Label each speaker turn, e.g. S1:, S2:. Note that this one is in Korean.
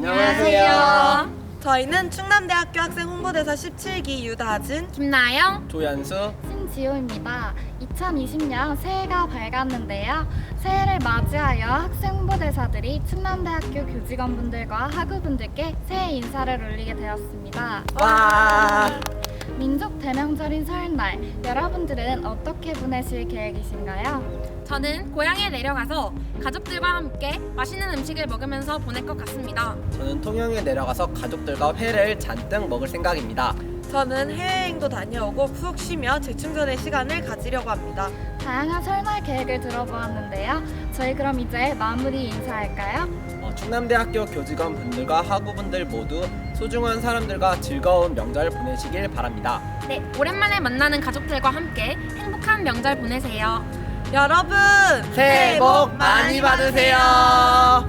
S1: 안녕하세요.
S2: 저희는 충남대학교 학생 홍보대사 17기 유다진,
S1: 김나영,
S3: 조연수,
S4: 신지호입니다. 2020년 새해가 밝았는데요. 새해를 맞이하여 학생 홍보대사들이 충남대학교 교직원분들과 학우분들께 새해 인사를 올리게 되었습니다.
S2: 와!
S4: 민족 대명절인 설날, 여러분들은 어떻게 보내실 계획이신가요?
S1: 저는 고향에 내려가서 가족들과 함께 맛있는 음식을 먹으면서 보낼 것 같습니다.
S3: 저는 통영에 내려가서 가족들과 회를 잔뜩 먹을 생각입니다.
S2: 저는 해외여행도 다녀오고 푹 쉬며 재충전의 시간을 가지려고 합니다.
S4: 다양한 설날 계획을 들어보았는데요. 저희 그럼 이제 마무리 인사할까요?
S3: 충남대학교 교직원 분들과 학우분들 모두 소중한 사람들과 즐거운 명절 보내시길 바랍니다.
S1: 네, 오랜만에 만나는 가족들과 함께 행복한 명절 보내세요.
S2: 여러분,
S3: 새해 복 많이 받으세요.